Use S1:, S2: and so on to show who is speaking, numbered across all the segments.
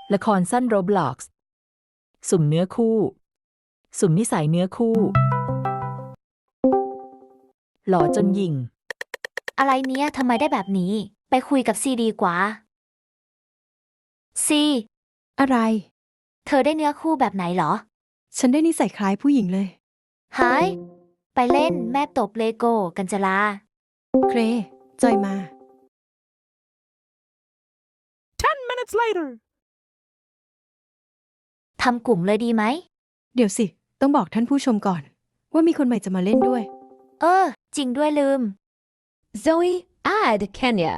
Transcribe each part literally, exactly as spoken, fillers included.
S1: ละครสั้น Roblox สุ่มเนื้อคู่ สุ่มนิสัยเนื้อคู่ หล่อจนหยิ่ง
S2: อะไรเนี้ยทำไมได้แบบนี้ ไปคุยกับซีดีกว่า ซี
S3: อะไร
S2: เธอได้เนื้อคู่แบบไหนเหรอ
S3: ฉันได้นิสัยคล้ายผู้หญิงเลย
S2: หาย ไปเล่นแม่ตบเลโก้กันจะลา
S3: เคร จอยมา
S4: Ten minutes later.
S2: ทำกลุ่มเลยดีไหม
S3: เดี๋ยวสิ ต้องบอกท่านผู้ชมก่อน ว่ามีคนใหม่จะมาเล่นด้วย
S2: เออ จริงด้วยลืม
S5: Zoe, add Kenya.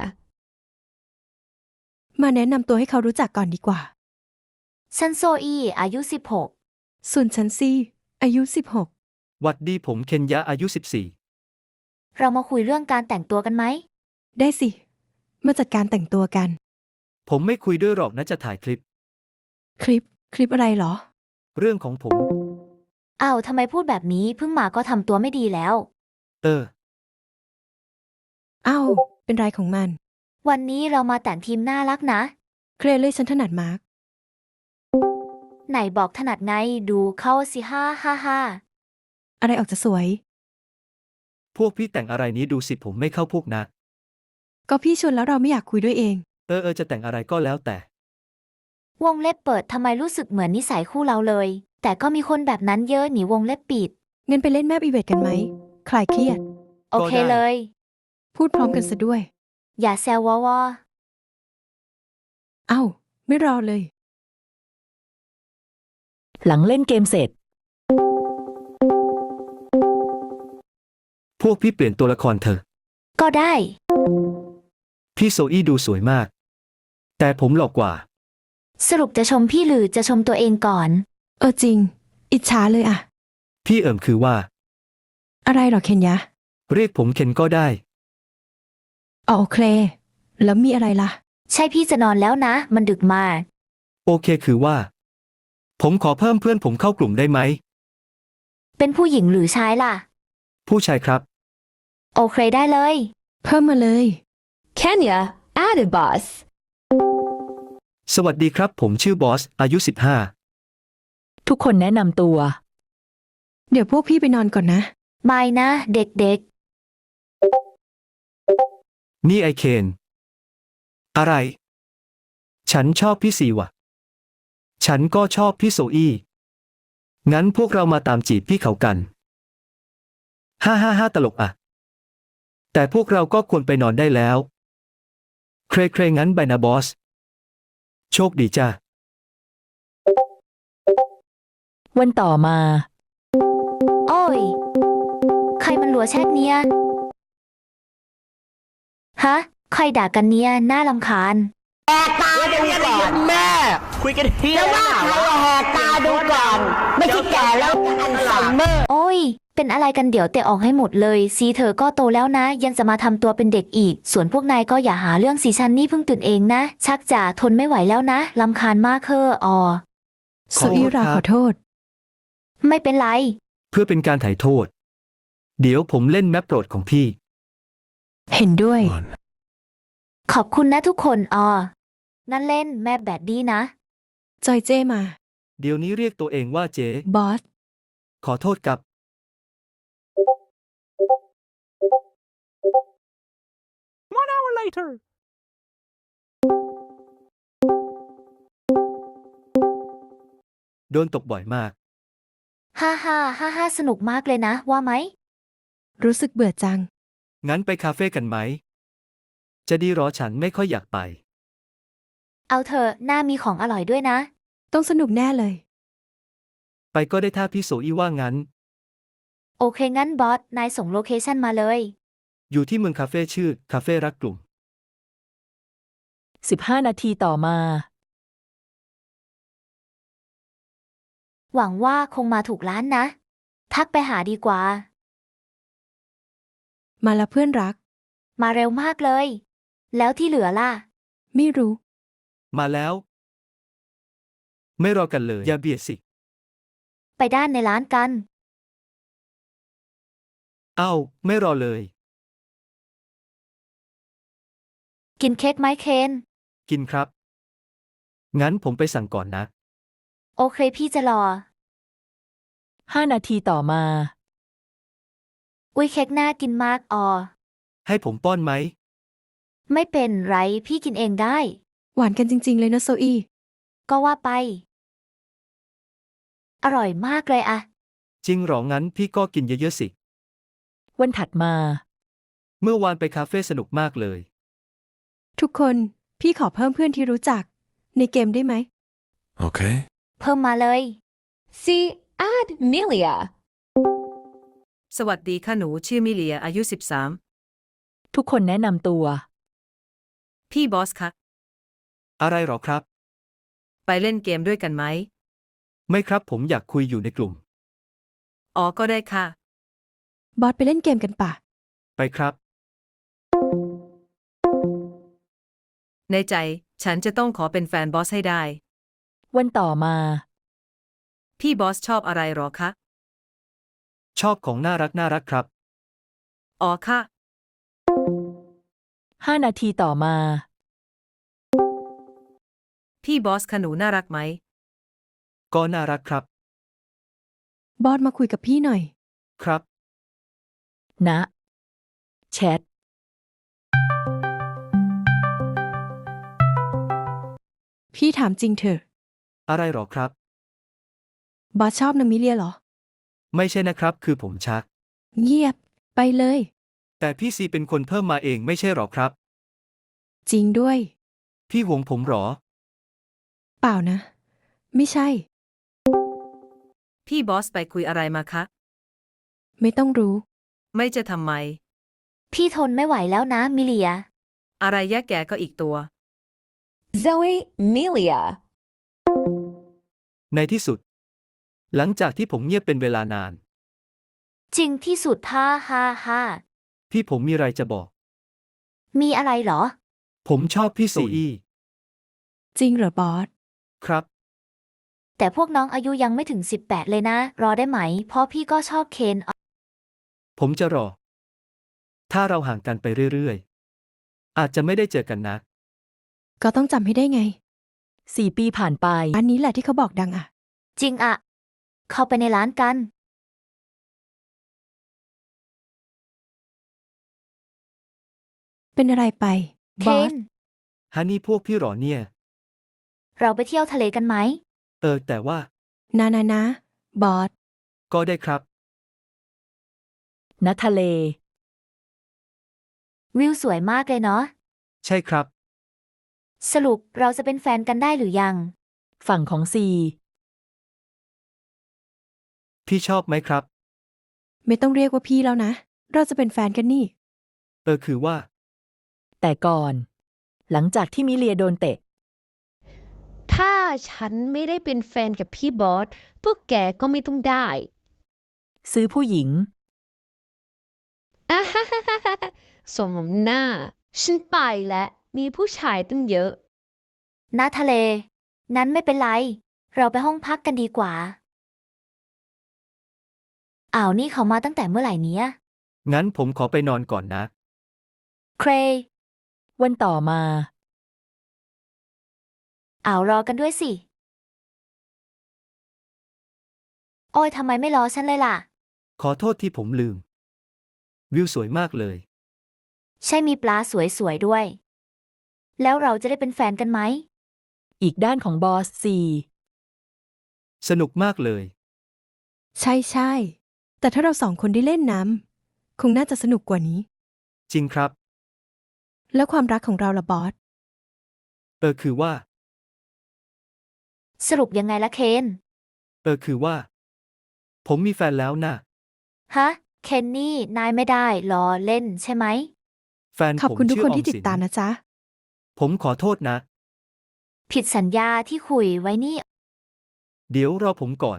S3: มาแนะนำตัวให้เขารู้จักก่อนดีกว่า
S2: ฉันโซอีอายุสิบหก
S3: ส่วนฉันซี่ อายุสิบหก
S6: หวัดดีผมเคนยะอายุสิบสี่
S2: เรามาคุยเรื่องการแต่งตัวกันไหม
S3: ได้สิ มาจัดการแต่งตัวกัน
S6: ผมไม่คุยด้วยหรอกนะจะถ่ายคลิป
S3: คลิป คลิปอะไรเหรอ
S6: เรื่องของผม
S2: อ้าวทำไมพูดแบบนี้เพิ่งมาก็ทำตัวไม่ดีแล้ว
S6: เออ
S3: อ้าว เป็นไรของมัน
S2: วันนี้เรามาแต่งทีมน่ารักนะ
S3: เครเลยฉันถนัดมาร์ก
S2: ไหนบอกถนัดไงดูเข้าสิฮ่าฮ่าฮ่า
S3: อะไรออกจะสวย
S6: พวกพี่แต่งอะไรนี้ดูสิผมไม่เข้าพวกนะ
S3: ก็พี่ชวนแล้วเราไม่อยากคุยด้วยเอง
S6: เออเออจะแต่งอะไรก็แล้วแต่
S2: วงเล็บเปิดทำไมรู้สึกเหมือนนิสัยคู่เราเลย แต่ก็มีคนแบบนั้นเยอะหนีวงเล็บปิด
S3: เงินไปเล่นแมปอีเวนต์กันไหม คลายเครียด
S2: โอเค
S6: ก็ได้
S2: เลย
S3: พูดพร้อมกันซะด้วย
S2: อย่าแซววอวอ
S3: เอ้า ไม่รอเลย
S1: หลังเล่นเกมเสร็จ
S6: พวกพี่เปลี่ยนตัวละครเธอ
S2: ก็ได้
S6: พี่โซอี้ดูสวยมาก แต่ผมหลอกกว่า
S2: สรุปจะชมพี่หรือจะชมตัวเองก่อน
S3: เออจริง อิจฉาเลยอะ
S6: พี่เอิมคือว่า
S3: อะไรหรอเคนยะ
S6: เรียกผมเคนก็ได้
S3: อ๋อโอเค แล้วมีอะไรล่ะ
S2: ใช่พี่จะนอนแล้วนะ มันดึกมาก
S6: โอเคคือว่า ผมขอเพิ่มเพื่อนผมเข้ากลุ่มได้ไหม
S2: เป็นผู้หญิงหรือชายล่ะ
S6: ผู้ชายครับ
S2: โอเคได้เลย
S3: เพิ่มมาเลย
S5: Kenya, add boss.
S6: สวัสดีครับผมชื่อบอสอายุสิบห้า
S1: ทุกคนแนะนำตัว
S3: เดี๋ยวพวกพี่ไปนอนก่อนนะ
S2: ไม่นะ เด็ก
S6: นี่ไอเคน อะไร ฉันชอบพี่ซีว่ะ ฉันก็ชอบพี่โซอี้ งั้นพวกเรามาตามจีบพี่เขากัน ฮ่าฮ่าฮ่าตลกอ่ะ แต่พวกเราก็ควรไปนอนได้แล้ว เครเครงั้นไปนะบอส โชคดีจ้า
S1: วันต่อมา
S2: ๆ โอ้ย ใครมันหลัวแชกเนี้ย ฮะ ใครด่ากันเนี้ยน่ารำคาญ
S7: แหกตาดูก่อนแม่คุยกันเฮียว่าใครอะแหกตาดูก่อน ไม่ใช่แก่แล้วอัลไซเมอร์
S2: โอ้ย เป็นอะไรกันเดี๋ยวเตะออกให้หมดเลยซีเธอก็โตแล้วนะ ยังจะมาทำตัวเป็นเด็กอีก ส่วนพวกนายก็อย่าหาเรื่องสีชันนี่เพิ่งตื่นเองนะ ชักจะทนไม่ไหวแล้วนะรำคาญมากเคอออ
S6: ข
S3: สุ
S6: อโทษ
S3: อีรา
S6: ครับ
S3: ขอโทษ
S2: ไม่เป็นไร
S6: เพื่อเป็นการถ่ายโทษ เดี๋ยวผมเล่นแมปโปรดของพี่
S3: เห็นด้วย
S2: ขอบคุณนะทุกคนออนั่นเล่นแม่แบดดี้นะ
S3: จอยเจ้มา
S6: เดี๋ยวนี้เรียกตัวเองว่าเจ๊
S3: บอส
S6: ขอโทษกับ
S4: One hour later.
S6: โดนตกบ่อยมาก
S2: ฮ่าฮ่าฮ่าฮ่าสนุกมากเลยนะ ว่าไหม
S3: รู้สึกเบื่อจัง
S6: งั้นไปคาเฟ่กันไหม จะดีหรอฉันไม่ค่อยอยากไป
S2: เอาเถอะหน้ามีของอร่อยด้วยนะ
S3: ต้องสนุกแน่เลย
S6: ไปก็ได้ถ้าพี่โซอี้ว่างั้น
S2: โอเคงั้นบอส นายส่งโลเคชั่นมาเลย
S6: อยู่ที่เมืองคาเฟ่ชื่อ คาเฟ่รักกลุ่ม
S1: สิบห้า นาทีต่อมา
S2: หวังว่าคงมาถูกร้านนะ ทักไปหาดีกว่า
S3: มาแล้วเพื่อนรัก
S2: มาเร็วมากเลย แล้วที่เหลือล่ะ
S3: ไม่รู้
S6: มาแล้ว ไม่รอกันเลย อย่าเบียดสิ
S2: ไปด้านในร้านกัน
S6: เอ้า ไม่รอเลย
S2: กินเค้กไหมเคน
S6: กินครับงั้นผมไปสั่งก่อนนะ
S2: โอเคพี่จะรอ
S1: ห้านาทีต่อมา
S2: อุ้ยเค้กน่ากินมากออ
S6: ให้ผมป้อนไหม
S2: ไม่เป็นไรพี่กินเองได้
S3: หวานกันจริง ๆ เลยนะโซอี
S2: ก็ว่าไป อร่อยมากเลยอะ
S6: จริงหรองั้นพี่ก็กินเยอะๆสิ
S1: วันถัดมา
S6: เมื่อวานไปคาเฟ่สนุกมากเลย
S3: ทุกคนพี่ขอเพิ่มเพื่อนที่รู้จัก ในเกมได้ไหม
S8: Okay.
S2: เพิ่มมาเลย
S5: See, add Milia.
S9: สวัสดีค่ะหนูชื่อมิเลียอายุสิบสาม
S1: ทุกคนแนะนำตัว
S9: พี่บอสคะ
S6: อะไรหรอครับ
S9: ไปเล่นเกมด้วยกันไหม
S6: ไม่ครับผมอยากคุยอยู่ในกลุ่ม
S9: อ๋อก็ได้ค่ะ
S3: บอสไปเล่นเกมกันป่ะ
S6: ไปครับ
S9: ในใจฉันจะต้องขอเป็นแฟนบอสให้ได้
S1: วันต่อมา
S9: พี่บอสชอบอะไรหรอคะ
S6: ชอบของน่ารักน่ารักครับ
S9: อ๋อค่ะ
S1: ห้านาทีต่อมา
S9: พี่บอสคะหนูน่ารักไหม
S6: ก็น่ารักครับ
S3: บอสมาคุยกับพี่หน่อย
S6: ครับ
S1: นะ แชท
S3: พี่ถามจริงเถอะ
S6: อะไรหรอครับ
S3: บอสชอบนางมิเลียเหรอ
S6: ไม่ใช่นะครับ คือผมชัก
S3: เงียบ ไปเลย
S6: แต่พี่ซีเป็นคนเพิ่มมาเองไม่ใช่หรอครับ
S3: จริงด้วย
S6: พี่หวงผมหรอ
S3: เปล่านะ ไม่ใช่
S9: พี่บอสไปคุยอะไรมาคะ
S3: ไม่ต้องรู้
S9: ไม่จะทำไม
S2: พี่ทนไม่ไหวแล้วนะมิเลีย
S9: อะไรแยกแกก็อีกตัว
S5: Zoe, Milia.
S6: ในที่สุด หลังจากที่ผมเงียบเป็นเวลานาน
S2: จริงที่สุดฮ่าฮ่าฮ่า
S6: พี่ผมมีอะไรจะบอก
S2: มีอะไรเหรอ
S6: ผมชอบพี่โซอี้
S3: จริงเหรอบอส
S6: ครับ
S2: แต่พวกน้องอายุยังไม่ถึงสิบแปดเลยนะ รอได้ไหม เพราะพี่ก็ชอบเคน
S6: ผมจะรอ ถ้าเราห่างกันไปเรื่อยๆ อาจจะไม่ได้เจอกันนะ
S3: ก็ต้องจำให้ได้ไง
S1: สี่ปีผ่านไป
S3: อันนี้แหละที่เขาบอกดังอ่ะ
S2: จริงอะเข้าไปในร้านกัน
S3: เป็นอะไรไป
S2: เค
S3: บอส
S2: น
S6: ฮันนี่พวกพี่หรอเนี่ย
S2: เราไปเที่ยวทะเลกันไหม
S6: เออ แต่ว่า
S3: นานานะ บอส
S6: ก็ได้ครับ
S1: ณทะเล
S2: วิวสวยมากเลยเนาะ
S6: ใช่ครับ
S2: สรุปเราจะเป็นแฟนกันได้หรือยัง
S1: ฝั่งของซี
S6: พี่ชอบไหมครับ
S3: ไม่ต้องเรียกว่าพี่แล้วนะ เราจะเป็นแฟนกันนี่
S6: เออคือว่า
S1: แต่ก่อน หลังจากที่มิเลียโดนเตะ
S5: ถ้าฉันไม่ได้เป็นแฟนกับพี่บอส พวกแกก็ไม่ต้องได้
S1: ซื้อผู้หญิง
S5: อ่าฮ่าฮ่าฮ่าฮ่าสมน้ำหน้า ฉันไปแล้ว มีผู้ชายตั้งเยอะ
S2: ณทะเล นั้นไม่เป็นไร เราไปห้องพักกันดีกว่า อ้าวนี่เขามาตั้งแต่เมื่อไหร่เนี้ย
S6: งั้นผมขอไปนอนก่อนนะ
S2: เคร
S1: วันต่อมา
S2: อ้าวรอกันด้วยสิ โอ้ยทำไมไม่รอฉันเลยล่ะ
S6: ขอโทษที่ผมลืม วิวสวยมากเลย
S2: ใช่มีปลาสวยๆด้วย แล้วเราจะได้เป็นแฟนกันไหม
S1: อีกด้านของบอสซี
S6: สนุกมากเลย
S3: ใช่ใช่ แต่ถ้าเราสองคนได้เล่นน้ำคงน่าจะสนุกกว่านี้
S6: จริงครับ
S3: แล้วความรักของเราล่ะบอส
S6: เออคือว่า
S2: สรุปยังไงละเคน
S6: เออคือว่า ผมมีแฟนแล้วนะ
S2: ฮะ เคนนี่ นายไม่ได้ล้อเล่นใช่ไหม
S6: แฟน
S3: ขอบ
S6: ผม
S3: คุณทุก
S6: ชื่อ
S3: คน
S6: ออ
S3: ที่
S6: ม
S3: ติด
S6: สิน
S3: ตามนะจ๊ะ
S6: ผมขอโทษนะ
S2: ผิดสัญญาที่คุยไว้นี่
S6: เดี๋ยวรอผมก่อน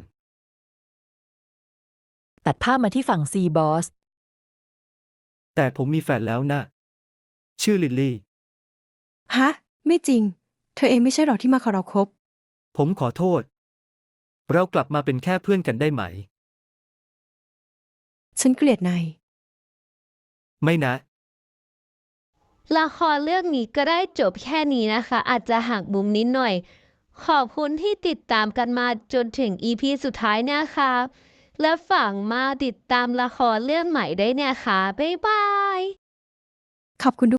S1: ตัดภาพมาที่ฝั่งซีบอส
S6: แต่ผมมีแฟนแล้วนะ ชื่อลิลลี่
S3: ฮะ ไม่จริง เธอเองไม่ใช่หรอที่มาขอเราคบ
S6: ผมขอโทษ เรากลับมาเป็นแค่เพื่อนกันได้ไหม
S3: ฉันเกลียดนาย
S6: ไม่นะ
S5: ละครเรื่องนี้ก็ได้จบแค่นี้นะคะ อาจจะหักมุมนิดหน่อยขอบคุณที่ติดตามกันมาจนถึง อี พี สุดท้ายนะคะ และฝังมาติดตามละครเรื่องใหม่ได้เนี่ยค่ะ บ๊ายบาย
S3: ขอบคุณ